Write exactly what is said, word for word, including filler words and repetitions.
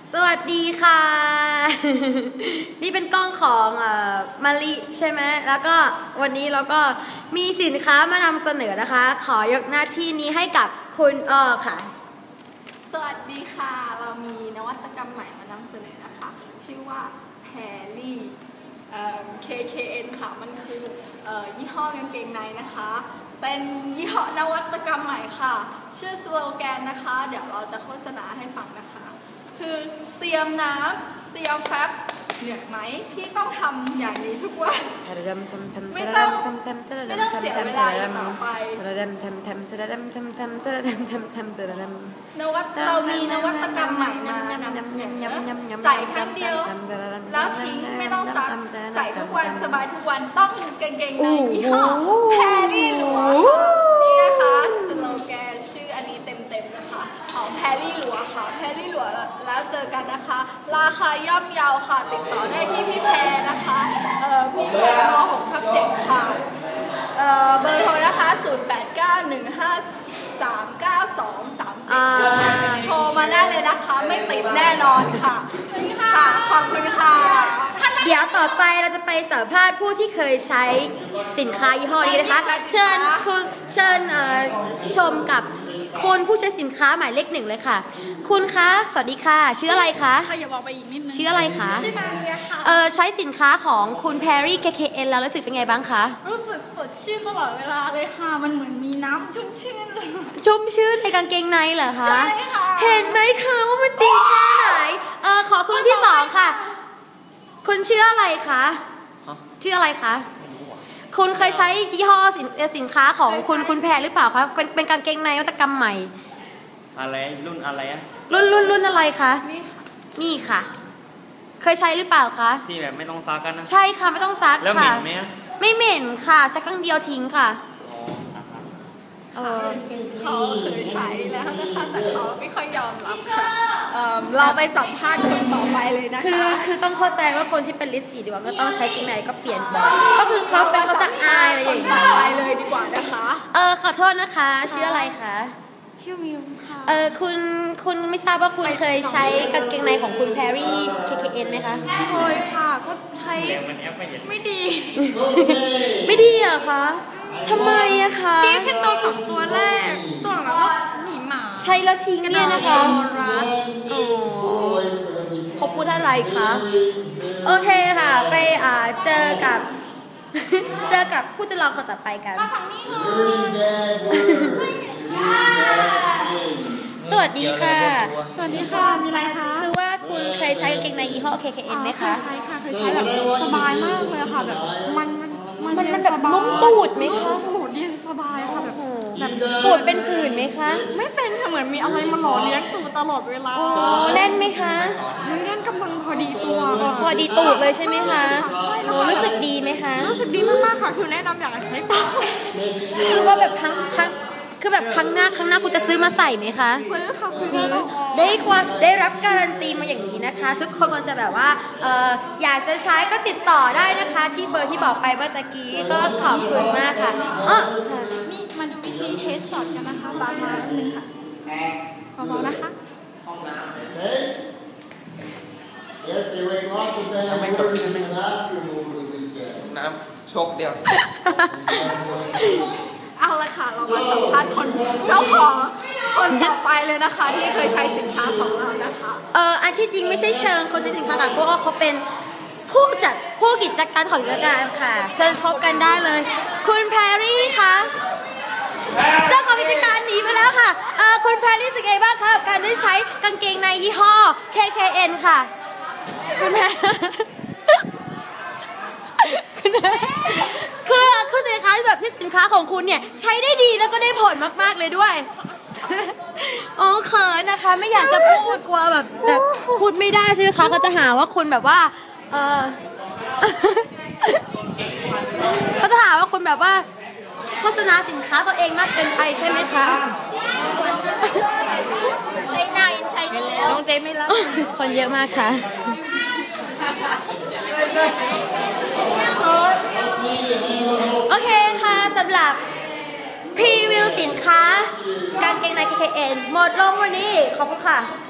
สวัสดีค่ะ นี่เป็นกล้องของเอ่อมาลิใช่ไหมแล้วก็วันนี้เราก็มีสินค้ามานำเสนอนะคะขอยกหน้าที่นี้ให้กับคุณอ้อค่ะสวัสดีค่ะเรามีนวัตกรรมใหม่มานำเสนอนะคะชื่อว่าแพรลี่ เค เค เอ็น ค่ะมันคือยี่ห้อกางเกงในนะคะเป็นยี่ห้อนวัตกรรมใหม่ค่ะชื่อสโลแกนนะคะเดี๋ยวเราจะโฆษณาให้ฟังนะคะคือเตรียมน้ำเตรียมแฟบเหนื่อยไหมที่ต้องทำอย่างนี้ทุกวันไม่ต้องไม่ต้องเสียเวลาต่อไปนวัตเรามีนวัตกรรมใหม่มานำเสนอใส่ครั้งเดียวแล้วทิ้งไม่ต้องซักใส่ทุกวันสบายทุกวันต้องกางเกงในยี่ห้อแพรลี่หลัวนี่นะคะสโลแกนชื่ออันนี้เต็มๆนะคะของแพรลี่หลัวค่ะแพรลี่หลัวแล้วเจอกันนะคะราคาย่อมเยาค่ะติดต่อได้ที่พี่แพรนะคะเอ่อพี่แพรม หกทับเจ็ด ค่ะเอ่อเบอร์โทรนะคะศูนย์ แปด เก้า หนึ่ง ห้า สาม เก้า สอง สาม เจ็ดโทรมาได้เลยนะคะไม่ติดแน่นอนค่ะค่ะขอบคุณค่ะเดี๋ยวต่อไปเราจะไปสัมภาษณ์ผู้ที่เคยใช้สินค้ายี่ห้อนี้นะคะเชิญคุณเชิญชมกับคนผู้ใช้สินค้าหมายเลขหนึ่งเลยค่ะคุณคะสวัสดีค่ะชื่ออะไรคะอย่าบอกไปอีกนิดนึงชื่ออะไรคะชื่อนาเนียค่ะเออใช้สินค้าของคุณแพรรี่ เค เค เอ็น แล้วรู้สึกเป็นไงบ้างคะรู้สึกสดชื่นตลอดเวลาเลยค่ะมันเหมือนมีน้ำชุ่มชื่นเลยชุ่มชื่นในกางเกงในเหรอคะใช่ค่ะเห็นไหมคะว่ามันดีแค่ไหนเออขอคุณที่สองค่ะคุณชื่ออะไรคะชื่ออะไรคะคุณเคยใช้ยี่ห้อสินสินค้าของคุณคุณแพรหรือเปล่าคะเป็นเป็นกางเกงในนวัตกรรมใหม่อะไรรุ่นอะไรอะรุ่นรุ่นรุ่นอะไรคะนี่ค่ะนี่ค่ะเคยใช้หรือเปล่าคะที่แบบไม่ต้องซักกันนะใช่ค่ะไม่ต้องซักค่ะแล้วเหม็นไหมไม่เหม็นค่ะใช้ครั้งเดียวทิ้งค่ะเออเขาเคยใช้แล้วนะคะแต่เขาไม่ค่อยยอมรับค่ะเราไปสัมภาษณ์คนต่อไปเลยนะคะคือคือต้องเข้าใจว่าคนที่เป็นลิสต์สีดีว่าก็ต้องใช้กิ่งไหนก็เปลี่ยนบ่อยก็คือเขาเป็นเขาจะอายอะไรอย่างนี้ไปเลยดีกว่านะคะเออขอโทษนะคะชื่ออะไรคะชื่อมิวค่ะเออคุณคุณไม่ทราบว่าคุณเคยใช้กางเกงในของคุณแพรรี่ เค เค เอ็น ไหมคะเคยค่ะก็ใช้ไม่ดีไม่ดีเหรอคะทำไมอะคะพี่แค่ตัวสองตัวแรกตัวหลังก็หนีหมาใช้แล้วทิ้งเนี่ยนะคะเขาพูดอะไรคะโอเคค่ะไปอ่าเจอกับเจอกับผู้จะลองคนต่อไปกันมาฝั่งนี้เลยสวัสดีค่ะสวัสดีค่ะมีอะไรคะคือว่าคุณเคยใช้กางเกงในยี่ห้อ เค เค เอ็น ไหมคะใช่ค่ะเคยใช้แบบสบายมากเลยค่ะแบบมันมันมันแบบนุ่มตูดไหมคะตูดเย็นสบายค่ะแบบแบบตูดเป็นผื่นไหมคะไม่เป็นค่ะเหมือนมีอะไรมาหล่อเลี้ยงตูดตลอดเวลาโอ้แน่นไหมคะไม่แน่นกำลังพอดีตัวพอดีตูดเลยใช่ไหมคะใช่แล้วรู้สึกดีไหมคะรู้สึกดีมากๆค่ะคือแนะนำอยากใช้ต่อคือว่าแบบครั้งครั้งคือแบบครั้งหน้าครั้งหน้าคุณจะซื้อมาใส่ไหมคะซื้อค่ะซื้อได้ความได้รับการันตีมาอย่างนี้นะคะทุกคนมันจะแบบว่าเอออยากจะใช้ก็ติดต่อได้นะคะที่เบอร์ที่บอกไปเมื่อตะกี้ก็ขอบคุณมากค่ะอ๋อนี่มาดูวิธีเทสช็อตกันนะคะบางมาหนึ่งค่ะเบาๆนะคะห้องน้ำไม่จบใช่ไหมน้ำชกเดียวเอาละค่ะเรามาสัมภาษณ์คนเจ้าของคนต่อไปเลยนะคะที่เคยใช้สินค้าของเรานะคะเอออันที่จริงไม่ใช่เชิงคนใช้สินค้าค่ะเพราะว่าเขาเป็นผู้จัดผู้กิจการของกิจการค่ะเชิญชมกันได้เลยคุณแพรรี่คะเจ้าของกิจการหนีไปแล้วค่ะเออคุณแพรรี่รู้สึกไงบ้างคะกับการได้ใช้กางเกงในยี่ห้อ เค เค เอ็น ค่ะคุณแพรคือคือสินค้าแบบที่สินค้าของคุณเนี่ยใช้ได้ดีแล้วก็ได้ผลมากๆเลยด้วยอ๋อเขินนะคะไม่อยากจะพูดกลัวแบบแบบพูดไม่ได้ใช่ไหมคะเขาจะหาว่าคุณแบบว่าเออเขาจะหาว่าคุณแบบว่าโฆษณาสินค้าตัวเองมากเกินไปใช่ไหมคะใช้นายใช้แล้วน้องเจไม่รับคนเยอะมากค่ะโอเคค่ะสำหรับพรีวิวสินค้ากางเกงใน เค เค เอ็น หมดลงวันนี้ขอบคุณค่ะ